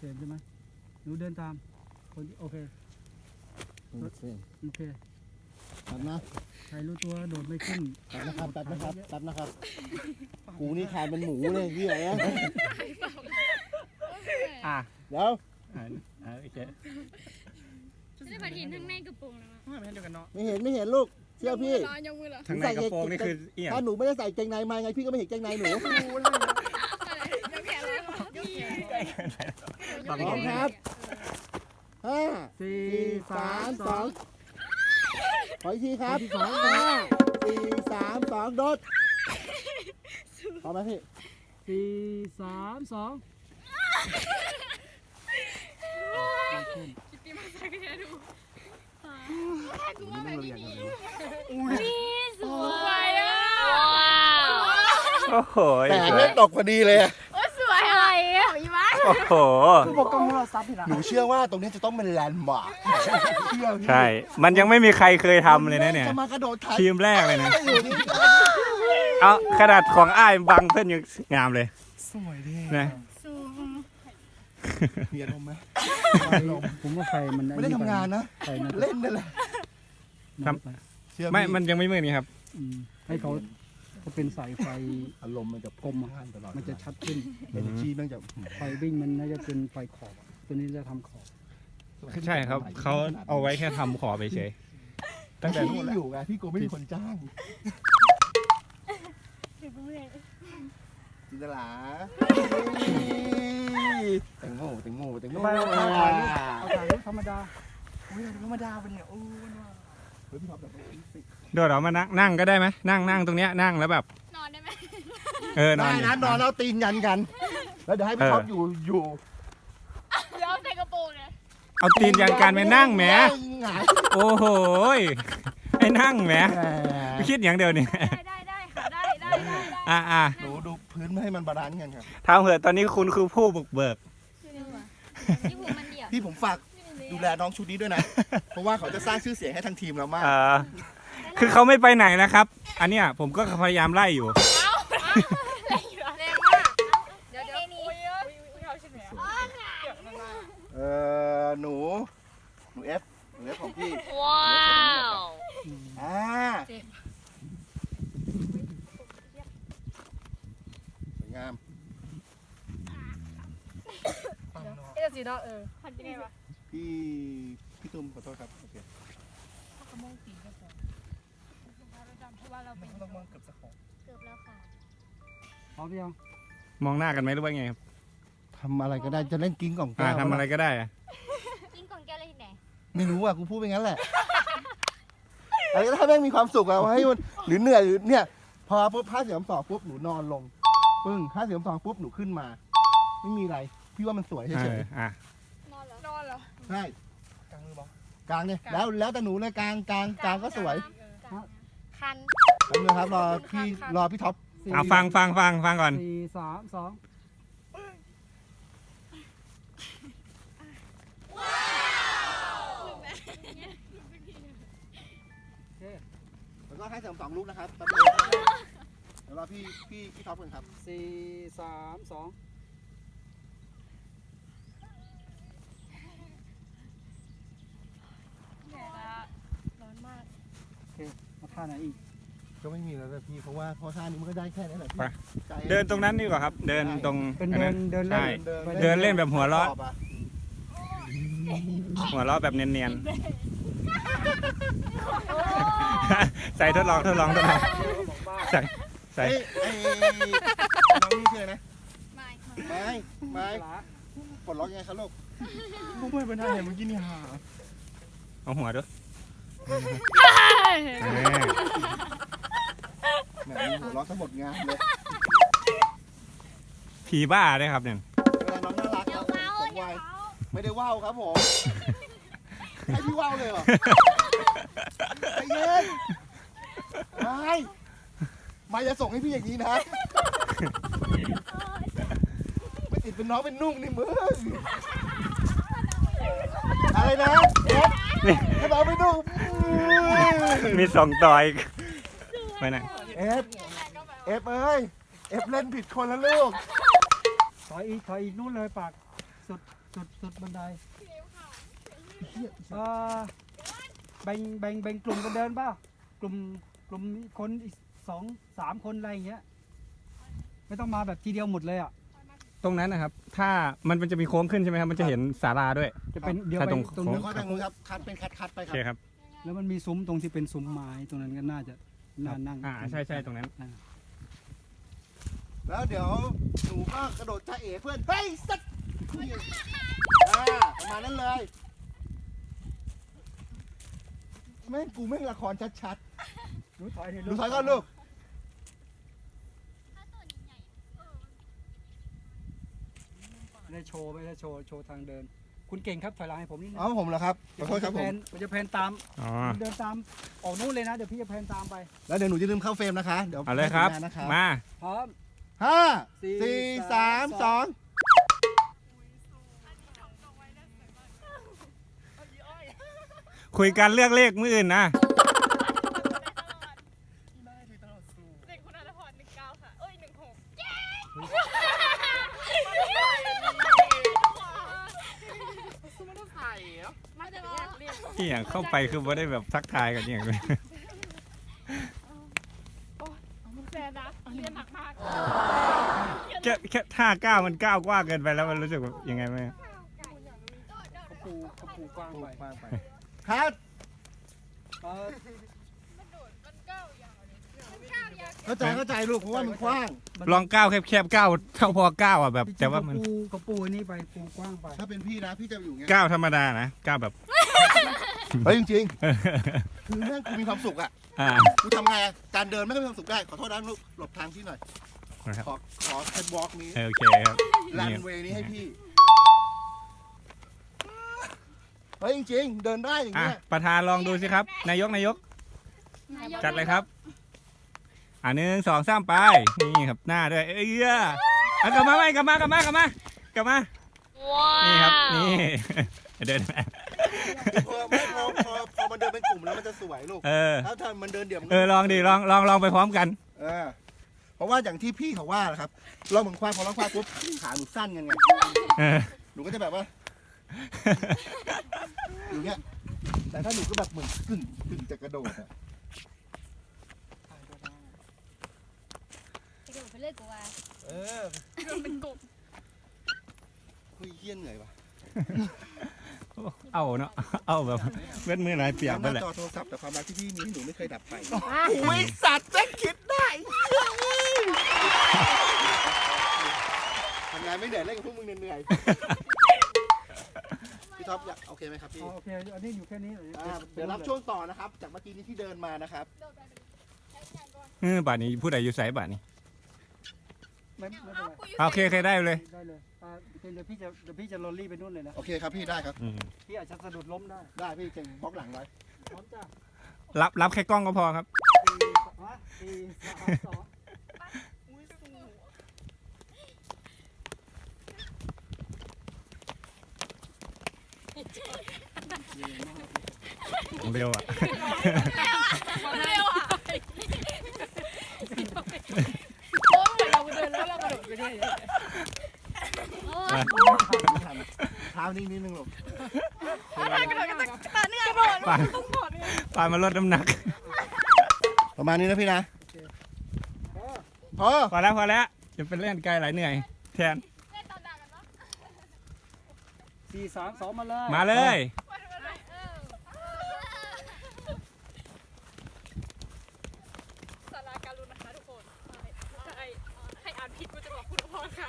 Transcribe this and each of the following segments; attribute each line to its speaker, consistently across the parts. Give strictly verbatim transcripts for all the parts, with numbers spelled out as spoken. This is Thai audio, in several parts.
Speaker 1: เห็นใช่ไหมหนูเดินตามคนโอเคโอเคตัดนะใครรู้ตัวโดดไม่ขึ้นตัดนะครับตัดนะครับตัดนะครับกูนี่ขายเป็นหมูเลยพี่อะไรนะอ่ะเดี๋ยวอ่าโอเค
Speaker 2: ไม่ได้เห็นทั้งในกระโปรงเลยมั้งไม่เห็นเดียวกันเนาะ
Speaker 1: ไม่เห็นไม่เห็นลูกเชื่อพี่
Speaker 3: ทั้งในกระโปรงนี่คือเอี่ยม
Speaker 1: ถ้าหนูไม่ได้ใส่เกงในมาไงพี่ก็ไม่เห็นเกงในหนูพร้อมครับห้าสี่สามสองขออีกทีครับห้าสี่สามสองโดดพร้อมไหมพี่สี่สามสอง
Speaker 2: คิดดีมาสักแค่ดูกูว่าแบบนี้สวยอ่ะ
Speaker 3: โอ้โห
Speaker 1: แต่ไม่ตกพอดีเลย
Speaker 2: โอ้สวยอะไรอ่ะอีบ้า
Speaker 3: โอ้โห
Speaker 1: คือบอกกล้องเราซับหนูเชื่อว่าตรงนี้จะต้องเป็นแลนด์มาร์ค
Speaker 3: ใช่มันยังไม่มีใครเคยทำเลยนะเนี่ย
Speaker 1: จะมากระโดด
Speaker 3: ทีมแรกเลยนะเอาขนาดของอ้ายบังเพื่อนยังงามเลย
Speaker 1: สวยดี
Speaker 3: นะ
Speaker 1: มีอารมณ์ไหมผมว่าไฟมันไม่ได้ทำงานนะเล่นนั่นแหละ
Speaker 3: ไม่มันยังไม่มืดนี่ครับ
Speaker 1: ให้เขาเขาเป็นสายไฟอารมณ์มันจะกลมตลอดมันจะชัดขึ้นเอเนอร์จีมันจะไฟวิ่งมันน่าจะเป็นไฟขอบตัวนี้จะทำขอบ
Speaker 3: ใช่ครับเขาเอาไว้แค่ทำขอบไปเฉย
Speaker 1: ตั้งแต่ที่อยู่ไงพี่โกไม่มีคนจ้างจินตลาแตงโมแตงโมแตงโมเอาถ่ายรูปเอาถ่ายรูปธรรมดาอุ้ยธรรมดาเป็นเนี่ยโอ้เฮ้ยพี่ท็อปแบบ
Speaker 3: เดี๋ยวเรามานั่งนั่งก็ได้ไหมนั่งนั่งตรงเนี้ยนั่งแล้วแบบ
Speaker 2: นอนได้ไหม
Speaker 3: เออนอน
Speaker 1: ได้นะนอนแล้วตีนยันกันแล้วเดี๋ยวให้พี่ท็อปอยู่อยู่
Speaker 2: เดี๋ยวใส่กระโปรงเลย
Speaker 3: เอาตีนยันกันไปนั่งแหมโอ้โหไอ้นั่งแหมคิดอย่างเดียวนี่
Speaker 2: ได้ได้ค่ะได้ได้ได้
Speaker 3: อ่าอ่า
Speaker 1: ดูดูพื้นไม่ให้มันบาลานซ์กันครับ
Speaker 3: ทำเหอะตอนนี้คุณคือผู้บุกเบิก
Speaker 1: พี่ผมฝากดูแลน้องชุดนี้ด้วยนะเพราะว่าเขาจะสร้างชื่อเสียงให้ทางทีมเรามาก
Speaker 3: คือเขาไม่ไปไหนนะครับอันเนี้ยผมก็พยายามไล่อยู่
Speaker 2: เดี๋ยวเดี๋ยวนี่
Speaker 1: เออหนูหนูเอฟหนูเอฟของพี่
Speaker 2: ว้าว
Speaker 1: อ่าสวยงาม
Speaker 2: เอ๊ะสีดอเออพันยังไงวะ
Speaker 1: พี่พี่ตุ้มขอโทษครับโอเค
Speaker 2: เขามองสีกระโปรงเพราะว่าเราเป็น
Speaker 1: ต้องมองเกือบสักของ
Speaker 2: เกือบแล้วค่ะ
Speaker 1: พร้อมยัง
Speaker 3: มองหน้ากันไหมหรือว่าไงครับ
Speaker 1: ทำอะไรก็ได้จะเล่นกิ้งของแก้ว
Speaker 3: ทำอะไรก็ได้
Speaker 2: กิ้งของแก้วอะไรที่ไหน
Speaker 1: ไม่รู้อ่ะกูพูดไปงั้นแหละอะไรก็ให้แม่งมีความสุขอะให้มันหรือเหนื่อยหรือเนี่ยพอปุ๊บห้าเสียงสองปุ๊บหนูนอนลงปึ้งห้าเสียงสองปุ๊บหนูขึ้นมาไม่มีอะไรพี่ว่ามันสวยเฉย
Speaker 3: ๆอ่ะ
Speaker 2: นอนเหรอนอนเหรอ
Speaker 1: ใช่กลางมือบอกกลางเนี่ยแล้วแล้วแต่หนูเลยกลางกลางกลางก็สวย
Speaker 2: คัน
Speaker 1: กลางมือครับรอพี่รอพี่ท็อป
Speaker 3: เอาฟังฟังฟังฟังก่อน
Speaker 1: สี่สามสองแล้วก็ให้เสริมสองลูกนะครับเดี๋ยวรอพี่พี่พี่ท็อปกันครับสี่สามสอง
Speaker 2: ร้อนมาก
Speaker 1: โอเคมาท่าไหนอีกก็ไม่มีแล้วแต่พี่เพราะว่าพอท่านี้มันก็ได้แค่นี้แหละพี่
Speaker 3: เดินตรงนั้นดีกว่าครับเดินตรง
Speaker 1: เป็นเดินเดินเล่น
Speaker 3: เดินเล่นแบบหัวเราะหัวเราะแบบเนียนๆใส่ทดลองทดลองทดลองใส่ใส่
Speaker 1: น้องนี่ชื่อนะไม่ไม่ไม่ปลดล็อกยังไงครับลูกลูกไม่เป็นท่าไหนเมื่อกี้นี่หา
Speaker 3: เอาหัวด้วย
Speaker 1: แหมหัวล็อกทั้งหมดงานเลย
Speaker 3: ผีบ้าเลยครับเนี่ย
Speaker 1: น้องน่ารักครับผมวัยไม่ได้ว่าวครับผมให้พี่ว่าวเลยเหรอใจเย็นไม่ไม่จะส่งให้พี่อย่างนี้นะไม่ติดเป็นน้องเป็นนุ่งนี่มึงอะไรนะเอฟเป็นน้องเป็นนุ่ง
Speaker 3: มีสองต่อยไปไหน
Speaker 1: เอฟเอฟเอ้ยเอฟเล่นผิดคนแล้วลูกถอยอีกถอยอีกนู่นเลยปากสุด
Speaker 4: สุดสุดบันไดเออแบ่งแบ่งแบ่งกลุ่มกันเดินเปล่ากลุ่มกลุ่มคนอีกสองสามคนอะไรอย่างเงี้ยไม่ต้องมาแบบทีเดียวหมดเลยอ่ะ
Speaker 3: ตรงนั้นนะครับ ถ้ามันมันจะมีโค้งขึ้นใช่ไหมครับมันจะเห็นศาลาด้วย
Speaker 4: จะเป็นเดี๋ยว
Speaker 3: ถ้า
Speaker 4: ไป
Speaker 3: ตรง
Speaker 4: ตรง
Speaker 1: เดี๋ย
Speaker 4: นู้
Speaker 1: วน ค่อยแบ่งมือครับคัดเป็นคัดคัดๆไป
Speaker 3: โอ
Speaker 1: ครั
Speaker 3: เค
Speaker 1: บ
Speaker 3: ครับ
Speaker 4: แล้วมันมีซุ้มตรงที่เป็นซุ้มไม้ตรงนั้นก็น่าจะน่านั่ง
Speaker 3: อ่าใช่ใช่ตรงนั้น
Speaker 4: อ่า
Speaker 1: แล้วเดี๋ยวหนูก็กระโดดจ้าเอ๋เพื่อนเฮ้ยสัตว์อ่าประมาณนั้นเลยแม่งกูแม่งละครชัด
Speaker 4: หนูถอย
Speaker 1: ๆหนูถอยก่อนลูก
Speaker 4: ไม่ได้โชว์ไม่ได้โชว์โชว์ทางเดิน คุณเก่งครับถอยหลังให้ผมนิดนึง
Speaker 1: เอาผมเหรอครับขอโทษครับ
Speaker 4: แพ
Speaker 1: ผม
Speaker 4: นมันจะแพนตาม
Speaker 3: อ๋อ
Speaker 4: เดินตามออกนู่นเลยนะเดี๋ยวพี่จะแพนตามไป
Speaker 1: แล้วเดี๋ยวหนูจะลืมเข้าเฟรมนะคะเดี๋ยว
Speaker 3: เอาเลยครับ
Speaker 1: ให้สัญญณนะครับ
Speaker 3: มา
Speaker 4: พร้อม
Speaker 1: ห้า
Speaker 4: สี่
Speaker 1: สี่สาม
Speaker 4: ส
Speaker 1: ส
Speaker 4: อ
Speaker 1: อง ง
Speaker 3: คุยกันเลือกเลขมืออื่นนะ
Speaker 2: เด็กคุณอาภรณ์หนึ่งเก้าค่ะเอ้ยหนึ่งหกไม่ต้องใส่เหรอมาจะแยกเรียน
Speaker 3: ที่อย่างเข้าไปคือว่าได้แบบทักทายกันอย่างเลย
Speaker 2: แซนนะเรียนหนักมาก
Speaker 3: แค่แค่ท่าก้าวมันก้าวกว้างเกินไปแล้วมันรู้สึกแบบยังไงไหม
Speaker 4: เขาปูเขาปูกว้างไป
Speaker 1: ครับ
Speaker 4: เออ
Speaker 1: เข้าใจเข้าใจลูกเพราะว่ามันกว้าง
Speaker 3: ลองก้าวแคบๆก้าวเท่าพอก้าวอ่ะแบบ แต่ว่ามัน
Speaker 4: เขปูเขาปูอันนี้ไปปูกว้างไป
Speaker 1: ถ้าเป็นพี่นะพี่จะอยู่อย่างเงี้ย
Speaker 3: ก้าวธรรมดานะก้าวแบบ
Speaker 1: เฮ้ยจริงๆคือแม่งกูมีความสุขอ่ะ
Speaker 3: อ่า
Speaker 1: กูทำไงอะการเดินไม่ก็มีความสุขได้ขอโทษนะลูกหลบทางพี่หน่อย
Speaker 3: นะครับ
Speaker 1: ขอขอแคทวอล์กนี้
Speaker 3: โอเคครับ
Speaker 1: รั
Speaker 3: นี่
Speaker 1: นเวย์นี้ให้พี่เฮ้ยจริงๆเดินได้อย่าง
Speaker 3: อ่ะ
Speaker 1: เงี้ย
Speaker 3: ประธานลองดูสิครับ นายกนายก จัดเลยครับ อ่าหนึ่งสองสามไป นี่ครับหน้าด้วย เอ้ยเอากลับมาไหมกลับมากลับมากลับมากลับมา นี่ครับ นี่ เดินมา
Speaker 1: พอไม่พอพอพอมันเดินเป็นกลุ่มแล้วมันจะสวยลูก
Speaker 3: เออ
Speaker 1: ถ้าถ้ามันเดินเดี่ยวมัน
Speaker 3: เออ ลองดิ ลอง ลอง ลองไปพร้อมกัน
Speaker 1: เออเพราะว่าอย่างที่พี่เขาว่าแหละครับเราเหมือนควายพอเราควายปุ๊บขาหนูสั้นกันไง
Speaker 3: เออ
Speaker 1: หนูก็จะแบบว่าอยู่เงี้ยแต่ถ้าหนูก็แบบเหมือนกึ่งกึ่งจะกระโดดอะ
Speaker 5: ไปดูไปเรื่อยกูว่า
Speaker 1: เออ
Speaker 2: เป็นกลุ่ม
Speaker 1: คุยเฮี้ยนเหนื่อยว่ะ
Speaker 3: เอาเนาะ เอาแบบเว้นมือหลายเปียก
Speaker 1: ห
Speaker 3: ไป
Speaker 1: น้า
Speaker 3: แหละ
Speaker 1: จอโทรศัพท์แต่ความรักที่พี่มีให้หนูไม่เคยดับไปโอ้ยสัตว์แม่งคิดได้ทำงานไม่เหนื่อยเล่นกับพวกมึงเหนื่อยๆพี่ท็อปอยากโอเคไหมครับพี่
Speaker 4: อ๋อโอเคอันนี้อยู่แค่นี้
Speaker 1: อ่าเดี๋ยวรับช่วงต่อนะครับ จากเมื่อกี้นี้ที่เดินมานะครับ
Speaker 3: เออบาทนี้พูดอะไรอยู่ไสบาทนี้
Speaker 4: ไม่ไม่เป็นไร
Speaker 3: โอเคโอเคได้เลย
Speaker 4: ได้เลยอ่าเดี๋ยวพี่จะเดี๋ยวพี่จะลอรี่ไปนู่นเลยนะ
Speaker 1: โอเคครับพี่ได้ครับ
Speaker 3: อืม
Speaker 4: พี่อาจจะสะดุดล้มได้
Speaker 1: ได้พี่เก่งบล็อกหลังไว้
Speaker 4: พร้อมจ้ะ
Speaker 3: รับ รับแค่กล้องก็พอครับ
Speaker 4: สี่ฮะสี่สามสอง
Speaker 3: เร็วอ่ะ
Speaker 2: เร็วอ่ะโอ้ยเหมือนเราเดินแล้วเรากระโดดไปด้วย
Speaker 1: เท้านิ่งนิดนึงลูก
Speaker 2: กระโดดกันตาเนื้อกระโดด
Speaker 3: ปาน
Speaker 2: ต้องกดเนี่ย
Speaker 3: ปานมาลดน้ำหนัก
Speaker 1: ประมาณนี้นะพี่นะ
Speaker 4: เออ
Speaker 1: พอ
Speaker 3: พอแล้วพอแล้วจะเป็นเล่นไกลหลายเหนื่อย แทน
Speaker 4: สี่สามสองมาเลย
Speaker 3: มาเลย
Speaker 2: สาราการุณนะคะทุกคนใครใครอ่านผิดกูจะบอกคุณพ่อค่ะ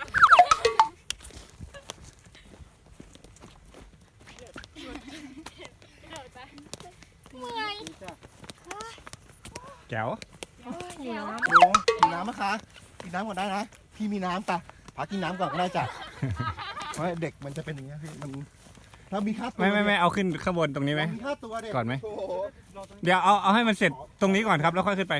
Speaker 2: เดี๋ยวไปเมื่อย
Speaker 4: สี่จ้ะ
Speaker 3: แจ๋ว
Speaker 5: เดี๋ยว
Speaker 1: โอ้กินน้ำไหมคะกินน้ำก่อนได้นะ พี่มีน้ำปะพากินน้ำก่อนก็ได้จ้ะเพราะเด็กมันจะเป็นอย่างเงี้ยพี่ มันถ้ามีค่าตัว
Speaker 3: ไม่ไม่ไม่เอาขึ้นข้างบนตรงนี้ไหม
Speaker 1: มีค่าตัวเด็ก
Speaker 3: ก่อนไหม
Speaker 1: โอ้โห
Speaker 4: รอตรงนี้
Speaker 3: เดี๋ยวเอาเอาให้มันเสร็จตรงนี้ก่อนครับแล้วค่อยขึ้นไป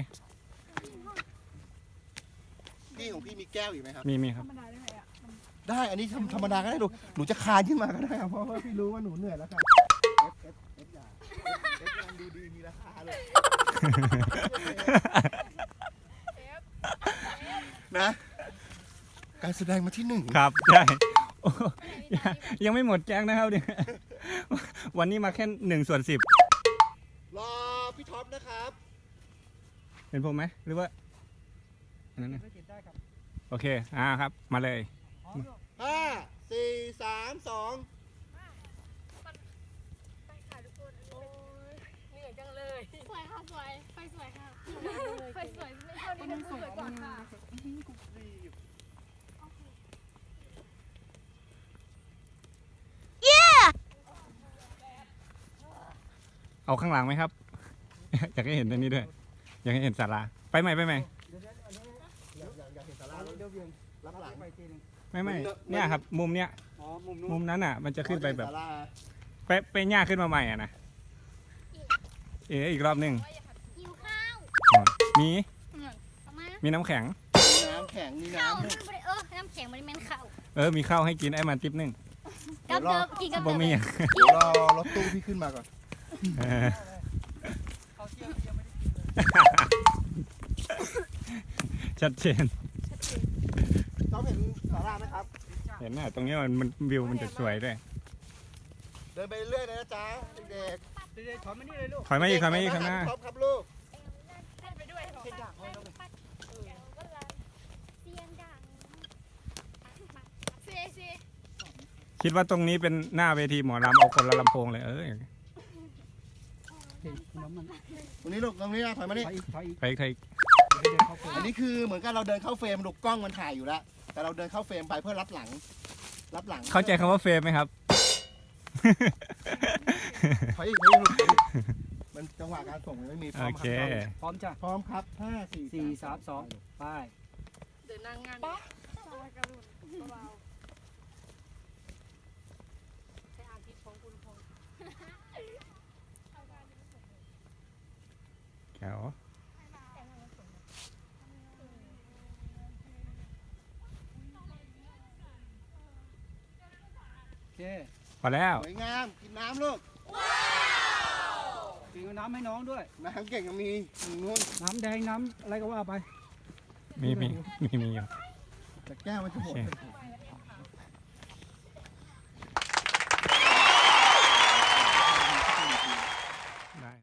Speaker 1: พี่ของพี่มีแก้วอีกไหมครับ
Speaker 3: มีมีครับ
Speaker 1: ได้ อันนี้ธรรมธรรมดาก็ได้ดูหนูจะคานขึ้นมาก็ได้ครับเพราะว่าพี่รู้ว่าหนูเหนื่อยแล้วค่ะเอฟเอฟเอฟอย่าเอฟยังดูดีมีราคาเลยนะ การแสดงมาที่หนึ่ง
Speaker 3: ครับใช่โอ้ยังยังไม่หมดแก๊งนะครับเนี่ยวันนี้มาแค่หนึ่งส่วนสิบ
Speaker 1: รอพี่ท็อปนะครับ
Speaker 3: เป็นผมไหมหรือว่าอันนั้นนะ
Speaker 4: ไม่ติดได้ครับ
Speaker 3: โอเคอ่าครับมาเลย
Speaker 4: พร้อมลูก
Speaker 1: ห้าสี่สามสอง
Speaker 2: ไปค่ะทุกคนโอ้ยเหนื่อยจังเลยสวยค่ะสวยไฟสวยค่ะไฟสวยไม่เท่านี้สวยกว่าค่ะ
Speaker 3: เอาข้างหลังไหมครับ อยากให้เห็นอันนี้ด้วยอยากให้เห็นศาลาไปใหม่ไปใหม่
Speaker 4: เดี๋ยวเดี๋ยวอันนี้
Speaker 1: อยากอยากอยากเห็นสารา
Speaker 4: เดี๋ยวเวียง
Speaker 1: รับหลัง
Speaker 4: ไปทีหนึง
Speaker 3: ไม่ไม่เนี่ยครับมุมเนี้ย
Speaker 4: อ๋อมุมนู้น
Speaker 3: มุมนั้นอ่ะ มันจะขึ้นไปแบบ
Speaker 1: ศาลา
Speaker 3: ไปไปหญ้าขึ้นมาใหม่อ่ะนะเอ๋อีกรอบหนึ่ง
Speaker 5: หิวข้าว
Speaker 3: อ๋อมี
Speaker 5: เอามา
Speaker 3: มีน้ำแข็ง
Speaker 1: มีน้ำแข็งมี
Speaker 5: ข้าว
Speaker 1: น้ำ
Speaker 5: มันบ่ได้เออน้ำแข็งมันแม่นข้าว
Speaker 3: เออมีข้าวให้กินไอ้มันติ๊บหนึง
Speaker 5: กับเดิมกินกับ
Speaker 3: บ่
Speaker 5: เดิม
Speaker 3: มีอ่ะ
Speaker 1: เดี๋ยวรอรถตู้พี่ขึ้นมาก่อน
Speaker 3: เออ
Speaker 4: เขาเที่ยวยังไม่ได้กินเลย
Speaker 3: ชัดเจน
Speaker 1: ต้องเห็นสาราไหมครับ
Speaker 3: เห็นน่ะตรงนี้มันมันวิวมันจะสวยด้วย
Speaker 1: เดินไปเรื่อยๆนะจ๊ะเด็ก
Speaker 4: เดี๋ยวๆถอยมานี่เลยลูก
Speaker 3: ถอย
Speaker 1: ๆ
Speaker 3: มาอีกถอยมาอีกข้างหน้า
Speaker 1: ท็อปครับลูก
Speaker 2: ไปด้วยเหรอ
Speaker 5: เสียงดัง
Speaker 2: เซเซ
Speaker 3: คิดว่าตรงนี้เป็นหน้าเวทีหมอลำเอาคนละลำโพงเลยเออ
Speaker 4: เห็นน้ำมัน
Speaker 1: ตรงนี้ลูกตรงนี้นะถอยมา
Speaker 4: ถ
Speaker 1: นี่
Speaker 4: อยอีกถอยอีก
Speaker 3: ไปใคร
Speaker 4: เดี๋ยวเดินเข้าไป
Speaker 1: อันนี้คือเหมือนกับเราเดินเข้าเฟรมลูกกล้องมันถ่ายอยู่แล้ว แต่เราเดินเข้าเฟรมไปเพื่อรับหลัง รับหลัง
Speaker 3: เข้าใจคำว่าเฟรมไหมครับ
Speaker 1: ถอยอีกถอยอีกลูกถอยอีกมันจังหวะการส่งมันไม่มีพร้
Speaker 3: โอ
Speaker 1: อมค
Speaker 3: เครับ
Speaker 4: พร้อมจ้ะ
Speaker 1: พร้อมครับห้าสี่
Speaker 4: สี่สามสองไป
Speaker 2: เดินนางงานป๊ะสวัสดีรุ่นเบาใช้อาทิตย์ของคุณพงษ์
Speaker 3: แก้ว
Speaker 4: โอเค
Speaker 3: พอแล้ว
Speaker 1: สวยงามกินน้ำลูก
Speaker 4: กินน้ำให้น้องด้วย
Speaker 1: น้ำเก่งก็มีถึงนู้น
Speaker 4: น้ำแดงน้ำอะไรก็ว่าไป
Speaker 3: มีมีมีมีอยู่
Speaker 1: แต่แก้วมันจะหมด
Speaker 3: โอเค
Speaker 2: ไป